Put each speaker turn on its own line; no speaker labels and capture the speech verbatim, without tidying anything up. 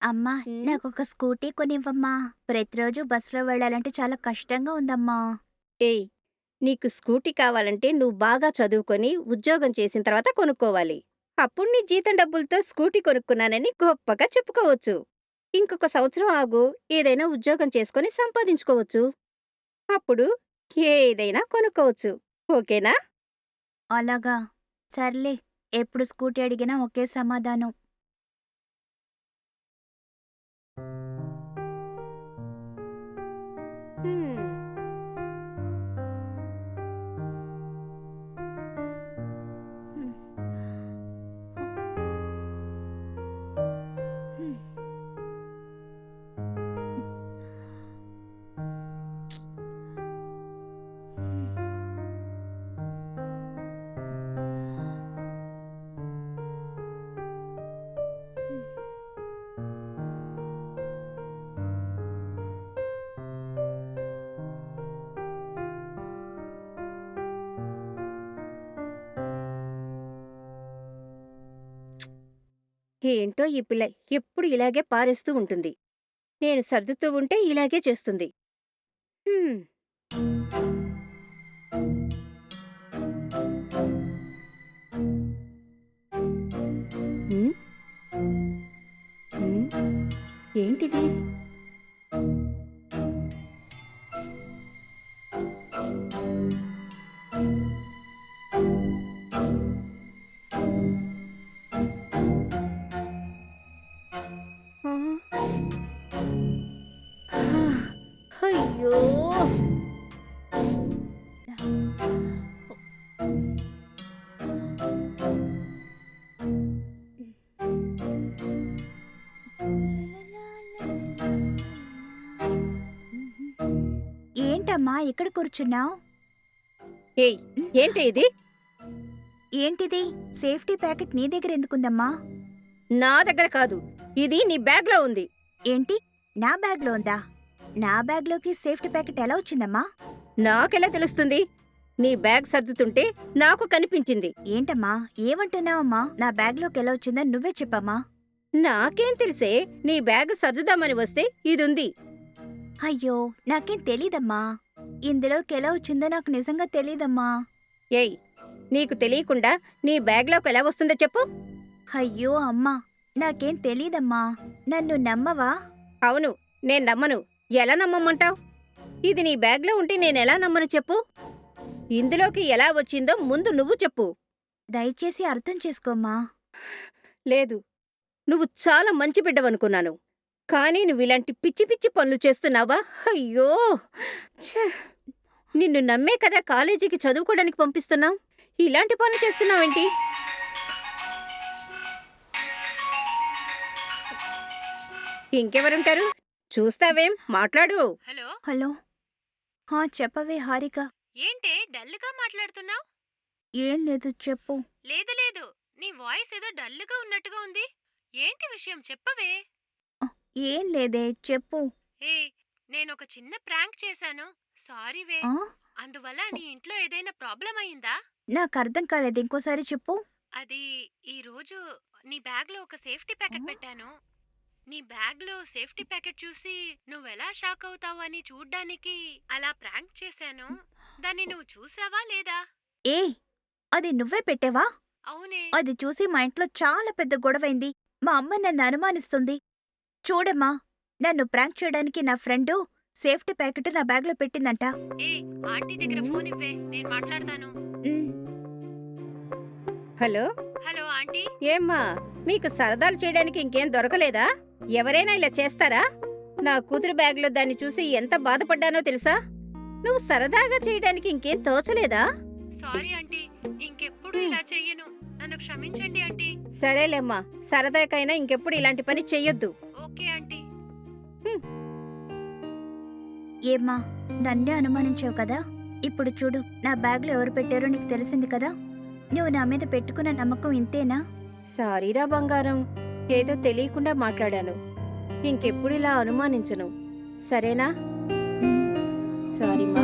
అమ్మా,
హ్మ్.
నాకొక స్కూటీ కొనివ్వమ్మా. ప్రతిరోజు బస్సులో వెళ్ళాలంటే చాలా కష్టంగా ఉందమ్మా.
ఏయ్! నీకు స్కూటీ కావాలంటే నువ్వు బాగా చదువుకొని, ఉద్యోగం చేసిన తర్వాత కొనుక్కోవాలి. అప్పుడు నీ జీతం డబ్బులతో స్కూటీ కొనుక్కున్నానని గొప్పగా చెప్పుకోవచ్చు. ఇంకొక సంవత్సరం ఆగు, ఏదైనా ఉద్యోగం చేసుకొని సంపాదించుకోవచ్చు. అప్పుడు ఏదైనా కొనుక్కోవచ్చు. ఓకేనా?
అలాగా? సర్లే. ఎప్పుడు స్కూటీ అడిగినా ఒకే సమాధానం.
హ్మ్.
హ్మ్. హ్మ్.
ఏంటో ఈ పిల్ల ఎప్పుడు ఇలాగే పారేస్తూ ఉంటుంది. నేను సర్దుతూ ఉంటే ఇలాగే చేస్తుంది. హ్మ్. హ్మ్. హ్మ్. ఏంటిది? ఆ! ఆ! అయ్యో!
ఏంటమ్మా ఇక్కడ కూర్చున్నావు?
ఏయ్! ఏంటే ఇది?
ఏంటిది? సేఫ్టీ ప్యాకెట్ నీ దగ్గర ఎందుకుందమ్మా?
నా దగ్గర కాదు. ఇది నీ బ్యాగ్‌లో ఉంది.
ఏంటి? నా బ్యాగ్లో ఉందా? నా బ్యాగ్లోకి సేఫ్టీ ప్యాకెట్ ఎలా వచ్చిందమ్మా?
నాకెలా తెలుస్తుంది? నీ బ్యాగ్ సర్దుతుంటే నాకు కనిపించింది.
ఏంటమ్మా? ఏమంటున్నావమ్మా? నా బ్యాగ్లోకి ఎలా వచ్చిందో నువ్వే చెప్పమ్మా.
నాకేం తెలిసే? నీ బ్యాగ్ సర్దుదామని వస్తే ఇదుంది.
అయ్యో! నాకేం తెలీదమ్మా. ఇందులోకి ఎలా వచ్చిందో నాకు నిజంగా తెలీదమ్మా.
ఏయ్! నీకు తెలియకుండా నీ బ్యాగ్‌లోకి ఎలా వస్తుందో చెప్పు?
అయ్యో అమ్మా! నాకేం తెలీదమ్మా. నన్ను నమ్మవా?
అవును. నేను నమ్మను. ఎలా నమ్మమంటావ్? ఇది నీ బ్యాగ్‌లో ఉంటే నేనెలా నమ్మను చెప్పు? ఇందులోకి ఎలా వచ్చిందో ముందు నువ్వు చెప్పు.
దయచేసి అర్థం చేసుకోమ్మా.
లేదు. నువ్వు చాలా మంచి బిడ్డవనుకున్నాను. కానీ నువ్విలాంటి పిచ్చి పిచ్చి పనులు చేస్తున్నావా? అయ్యో! ఛ! నిన్ను నమ్మే కదా కాలేజీకి చదువుకోడానికి పంపిస్తున్నాం. ఇలాంటి పనులు చేస్తున్నావేంటి? ఇంకెవరుంటారు? చూస్తావేం? మాట్లాడు.
హలో!
హలో! హా! చెప్పవే హారిక.
ఏంటే డల్‌గా మాట్లాడుతున్నావు?
ఏం లేదు చెప్పు.
లేదు లేదు. నీ వాయిస్ ఏదో డల్‌గా ఉన్నట్టుగా ఉంది. ఏంటి విషయం చెప్పవే?
ఆ! ఏం లేదే చెప్పు.
ఏయ్! నేనొక చిన్న ప్రాంక్ చేశాను. సారీవే.
ఆ!
అందువల్ల నీ ఇంట్లో ఏదైనా ప్రాబ్లమ్ అయిందా?
నాకర్థం కాలేదు. ఇంకోసారి చెప్పు.
అది ఈరోజు నీ బ్యాగ్‌లో ఒక సేఫ్టీ
ఆ!
ప్యాకెట్ పెట్టాను. నీ బ్యాగ్‌లో సేఫ్టీ ప్యాకెట్ చూసి నువ్వెలా షాక్ అవుతావని చూడ్డానికి అలా ప్రాంక్ చేశాను. దాన్ని నువ్వు చూసావా లేదా?
ఏయ్! అది నువ్వే పెట్టావా?
అవునే.
అది చూసి మా ఇంట్లో చాలా పెద్ద గొడవైంది. మా అమ్మ నన్ను అనుమానిస్తుంది. చూడమ్మా, నన్ను ప్రాంక్ చేయడానికి నా ఫ్రెండు సేఫ్టీ ప్యాకెట్ నా బ్యాగ్‌లో పెట్టిందంట.
ఏయ్! ఆంటీ దగ్గర
హ్మ్.
ఫోన్ ఇవ్వే. నేను మాట్లాడతాను.
హ్మ్.
హలో!
Hello aunty.
ఏమ్మా? మీకు సరదాలు చేయడానికి ఇంకేం దొరకలేదా? ఎవరైనా ఇలా చేస్తారా? నా కూతురు బ్యాగ్‌లో దాన్ని చూసి ఎంత బాధపడ్డానో తెలుసా? నువ్వు సరదాగా చేయడానికి ఇంకేం తోచలేదా?
Sorry aunty. ఇంకెప్పుడు
హ్మ్.
ఇలా చెయ్యను. నన్ను క్షమించండి ఆంటీ.
సరేలేమ్మా. సరదాకైనా ఇంకెప్పుడు ఇలాంటి పని చెయ్యొద్దు.
Okay aunty.
హ్మ్.
ఏమ్మా, నన్నే అనుమానించావు కదా? ఇప్పుడు చూడు, నా బ్యాగ్‌లో ఎవరు పెట్టారో నీకు తెలిసింది కదా? నువ్వు నా మీద పెట్టుకున్న నమ్మకం ఇంతేనా?
సారీరా బంగారం. ఏదో తెలియకుండా మాట్లాడాను. ఇంకెప్పుడు ఇలా అనుమానించను. సరేనా?
హ్మ్.
సారీ మా.